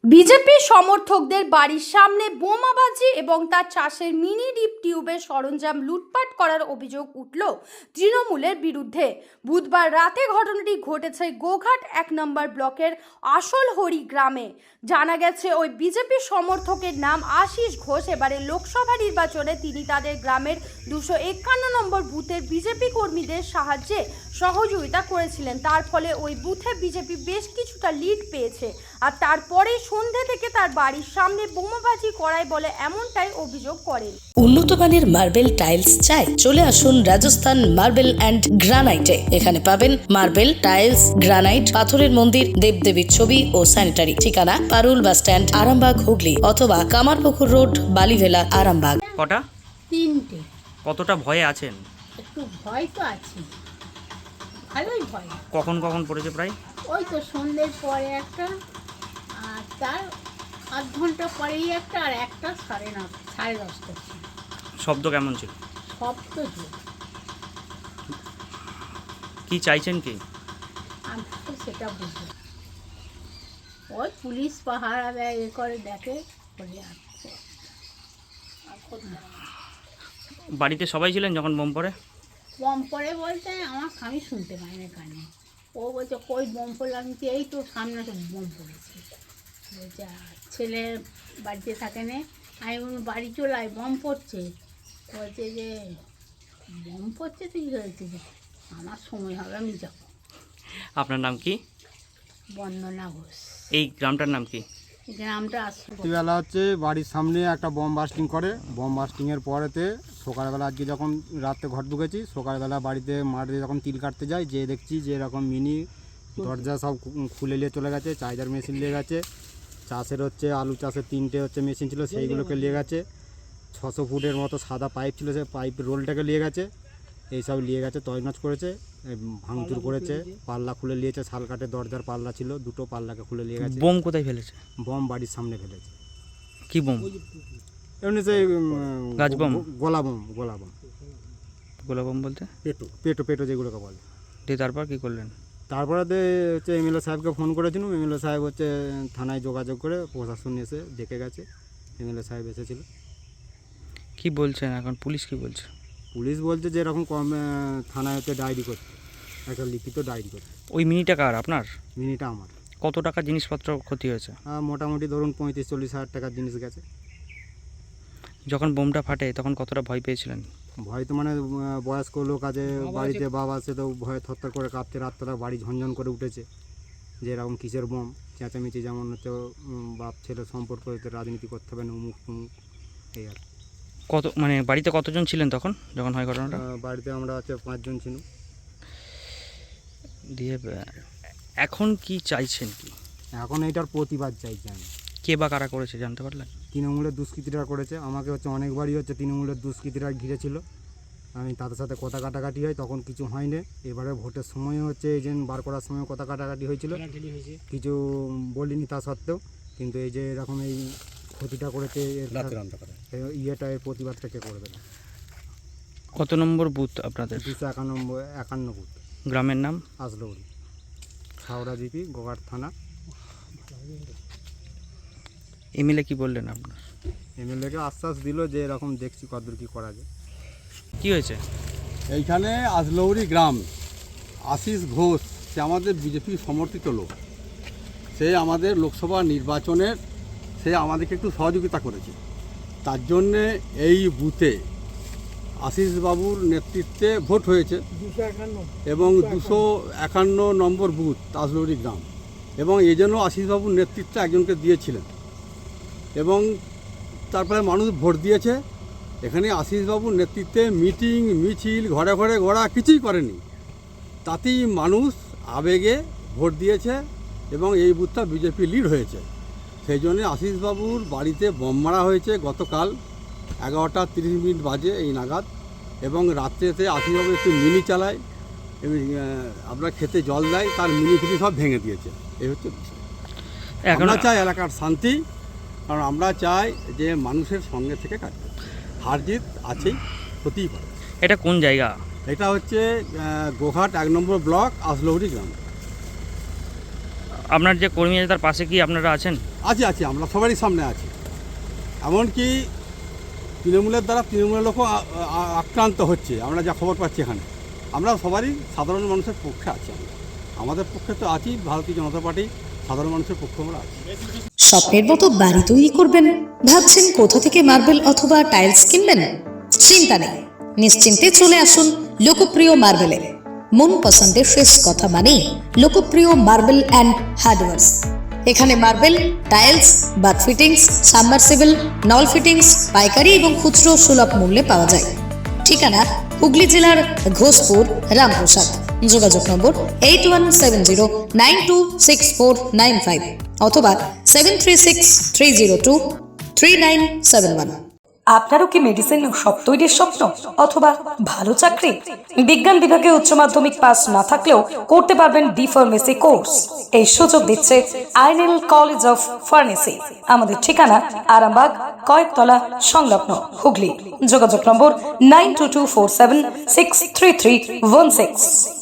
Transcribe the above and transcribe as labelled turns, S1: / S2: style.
S1: BJP সমর্থকদের বাড়ির সামনে বোমাবাজি এবং তার চাষের মিনি ডিপ টিউবের সরঞ্জাম লুটপাট করার অভিযোগ উঠল তৃণমূলের বিরুদ্ধে। বুধবার রাতে ঘটনাটি ঘটেছে গোঘাট ১ নম্বর ব্লকের আসলহরি গ্রামে। জানা গেছে ওই বিজেপি সমর্থকের নাম আশিস ঘোষ। এবারে লোকসভা নির্বাচনে তিনি তাদের গ্রামের ২৫১ নম্বর বুথের বিজেপি কর্মীদের সাহায্যে সহযোগিতা করেছিলেন। তার ফলে ওই বুথে বিজেপি বেশ কিছুটা লিড পেয়েছে। আর তারপরে সন্ধ্যে থেকে তার বাড়ির সামনে বোমাবাজি করায় বলে এমনটাই অভিযোগ করেন।
S2: উন্নত মানের মার্বেল টাইলস চাই? চলে আসুন রাজস্থান মার্বেল অ্যান্ড গ্রানাইটে। এখানে পাবেন মার্বেল, টাইলস, গ্রানাইট, পাথরের মন্দির, দেবদেবীর ছবি ও স্যানিটারি। ঠিকানা পারুল বাস স্ট্যান্ড, আরামবাগ, হুগলি, অথবা কামারপুকুর রোড, বালিভেলা, আরামবাগ।
S3: কটা?
S4: 3টে।
S3: কতটা ভয়ে আছেন?
S4: একটু ভয় তো আছে, ভালোই ভয়।
S3: কখন কখন পড়েছে প্রায়?
S4: ওই তো সন্ধ্যের পরে একটা, আর তার আধ ঘন্টা পরেই একটা, আর একটা 10:30 ছিল।
S3: শব্দ কেমন ছিল?
S4: সব তো জোর।
S3: কি চাইছেন কি?
S4: আমি তো সেটা বুঝি, ওই পুলিশ পাহারা দেয়, এ করে দেখে বলে আর
S3: বাড়িতে সবাই ছিলেন যখন বোম পড়ে?
S4: বম পড়ে বলতে আমি শুনতে পাই না কানে। ও বলছে কই বম পড়লো, আমি বলছি, এই তো সামনে তো বম পড়েছে। বলছে ছেলে বাড়িতে থাকে না, আমি বললাম বাড়ি চলে আয়, বম পড়ছে। বলছে যে বম পড়ছে তো কী হয়েছে, যে আমার সময় হবে আমি যাবো।
S3: আপনার নাম কি?
S4: বন্দনা ঘোষ।
S3: এই গ্রামটার নাম কি?
S4: গ্রামটা আসলো
S5: রাত্রিবেলা হচ্ছে বাড়ির সামনে একটা বম বাস্টিং করে। বম বাস্টিংয়ের পরেতে সকালবেলা আজকে যখন রাতে ঘর ঢুকেছি, সকালবেলা বাড়িতে মাঠে যখন তিল কাটতে যাই, যে দেখছি যে এরকম মিনি দরজা সব খুলে নিয়ে চলে গেছে, চার্জার মেশিন নিয়ে গেছে, চাষের হচ্ছে আলু চাষের 3টে হচ্ছে মেশিন ছিল সেইগুলোকে নিয়ে গেছে, 600 ফুটের মতো সাদা পাইপ ছিল সেই পাইপ রোলটাকে নিয়ে গেছে, এইসব নিয়ে গেছে, তছনছ করেছে, ভাঙচুর করেছে, পাল্লা খুলে নিয়েছে, শাল কাঠের দরজার পাল্লা ছিল, দুটো পাল্লাকে খুলে নিয়ে গেছে।
S3: বোম কোথায় ফেলেছে?
S5: বম বাড়ির সামনে ফেলেছে।
S3: কি বোম?
S5: এমনি সেই
S3: গাছ বম?
S5: গোলা বম, গোলা বম,
S3: গোলা বোম বলতে?
S5: পেটো পেটো যেগুলোকে বলে।
S3: দিয়ে তারপর কি করলেন?
S5: তারপরে হচ্ছে এমএলএ সাহেবকে ফোন করেছিলাম, এমএলএ সাহেব হচ্ছে থানায় যোগাযোগ করে প্রশাসন এসে দেখে গেছে, এমএলএ সাহেব এসেছিল।
S3: কি বলছেন এখন? পুলিশ কি বলছে?
S5: পুলিশ বলছে যে এরকম থানায় হচ্ছে ডায়েরি করতে, একটা লিখিত ডায়েরি করতে।
S3: ওই মিনিটা কার? আপনার?
S5: মিনিটা আমার।
S3: কত টাকা জিনিসপত্র ক্ষতি হয়েছে?
S5: মোটামুটি ধরুন 35-40 হাজার টাকার জিনিস গেছে।
S3: যখন বোমটা ফাটে তখন কতটা ভয় পেয়েছিলেন?
S5: ভয় তো মানে বয়স্ক লোক আছে বাড়িতে, বাবা আছে, তো ভয়ে থরথর করে কাঁপতে, রাতটা বাড়ি ঝনঝন করে উঠেছে যে এরকম কিসের বোম, চেঁচামেচি, যেমন হচ্ছে বাপ ছেলে সম্পর্ক, রাজনীতি করতে হবে না, উমুক তুমুক, এই আর।
S3: কত মানে বাড়িতে কতজন ছিলেন তখন যখন হয় ঘটনাটা?
S5: বাড়িতে আমরা হচ্ছে 5 জন ছিলাম।
S3: দিয়ে এখন কি চাইছেন কি?
S5: এখন এইটার প্রতিবাদ চাইছি আমি।
S3: কে বা কারা করেছে জানতে পারলেন?
S5: তৃণমূলের দুষ্কৃতীরা করেছে, আমাকে হচ্ছে অনেকবারই হচ্ছে তৃণমূলের দুষ্কৃতীরা ঘিরেছিল, আমি তাদের সাথে কথা কাটাকাটি হয়, তখন কিছু হয়নি। এবারে ভোটের সময় হচ্ছে এজেন্ট বার করার সময় কথা কাটাকাটি হয়েছিল, কিছু বলিনি তা সত্ত্বেও, কিন্তু এই যে এরকম এই ক্ষতিটা করেছে, ইয়েটা, এর প্রতিবাদটা কে করবে না।
S3: কত নম্বর বুথ আপনাদের?
S5: 251 ফুট।
S3: গ্রামের নাম?
S5: আসলহরি, হাওড়া জিপি, গোঘাট থানা।
S3: এমএলএ কি বললেন আপনার?
S5: এমএলএকে আশ্বাস দিল যে এরকম দেখছি কতদূর কী করা যায়।
S3: কি হয়েছে?
S6: এইখানে আসলহরি গ্রাম, আশিস ঘোষ, সে আমাদের বিজেপি সমর্থিত লোক। সে আমাদের লোকসভা নির্বাচনের সে আমাদেরকে একটু সহযোগিতা করেছে। তার জন্যে এই বুথে আশিস বাবুর নেতৃত্বে ভোট হয়েছে এবং 251 নম্বর বুথ আসলহরি গ্রাম, এবং এই জন্য আশিস বাবুর নেতৃত্বে একজনকে দিয়েছিলেন এবং তারপরে মানুষ ভোট দিয়েছে। এখানে আশিসবাবুর নেতৃত্বে মিটিং মিছিল, ঘরে ঘরে ঘোরা কিছুই করেনি, তাতেই মানুষ আবেগে ভোট দিয়েছে এবং এই বুথটা বিজেপি লিড হয়েছে। সেই জন্যে আশিসবাবুর বাড়িতে বোম মারা হয়েছে গতকাল 11:30 বাজে এই নাগাদ, এবং রাত্রেতে আশিসবাবু একটু মিনি চালায় এবং আপনার খেতে জল দেয়, তার মিনি ফিনি সব ভেঙে দিয়েছে। এই হচ্ছে বিষয়। আমরা চাই এলাকার শান্তি, কারণ আমরা চাই যে মানুষের সঙ্গে থেকে কাজ করতে। হার জিত আছেই, হতেই পারে।
S3: এটা কোন জায়গা?
S6: এটা হচ্ছে গোঘাট 1 নম্বর ব্লক, আসলহরি গ্রাম।
S3: আপনার যে কর্মী আছে তার পাশে কি আপনারা আছেন?
S6: আছি আমরা সবারই সামনে আছি। এমনকি তৃণমূলের দ্বারা তৃণমূলের লোকও আক্রান্ত হচ্ছে, আমরা যা খবর পাচ্ছি এখানে। আমরা সবারই সাধারণ মানুষের পক্ষে আছি। আমাদের পক্ষে তো আছি, ভারতীয় জনতা পার্টি সাধারণ মানুষের পক্ষে আমরা আছি।
S2: স্বপ্নের মতো বাড়ি তৈরি করবেন? ভাবছেন কোথা থেকে মার্বেল অথবা টাইলস কিনবেন? চিন্তা নেই, নিশ্চিন্তে চলে আসুন লোকপ্রিয় মার্বেলে। মন পছন্দের শেষ কথা মানেই লোকপ্রিয় মার্বেল অ্যান্ড হার্ডওয়্যার্স। এখানে marble, tiles, bath fittings, submersible, নল ফিটিংস পাইকারি এবং খুচরো সুলভ মূল্যে পাওয়া যায়। ঠিকানা হুগলি জেলার ঘোষপুর, রামপ্রসাদ। যোগাযোগ নম্বর 8170926495 অথবা 7363023971। আপনারও কি মেডিসিন শপ তৈরির স্বপ্ন অথবা ভালো চাকরি? বিজ্ঞান বিভাগে উচ্চ মাধ্যমিক পাস না থাকলেও করতে পারবেন বি ফার্মেসি কোর্স। এই সুযোগ দিচ্ছে আইনেল কলেজ অফ ফার্মেসি। আমাদের ঠিকানা আরামবাগ, কয়েকতলা সংলগ্ন, হুগলি। যোগাযোগ নম্বর 9224763316।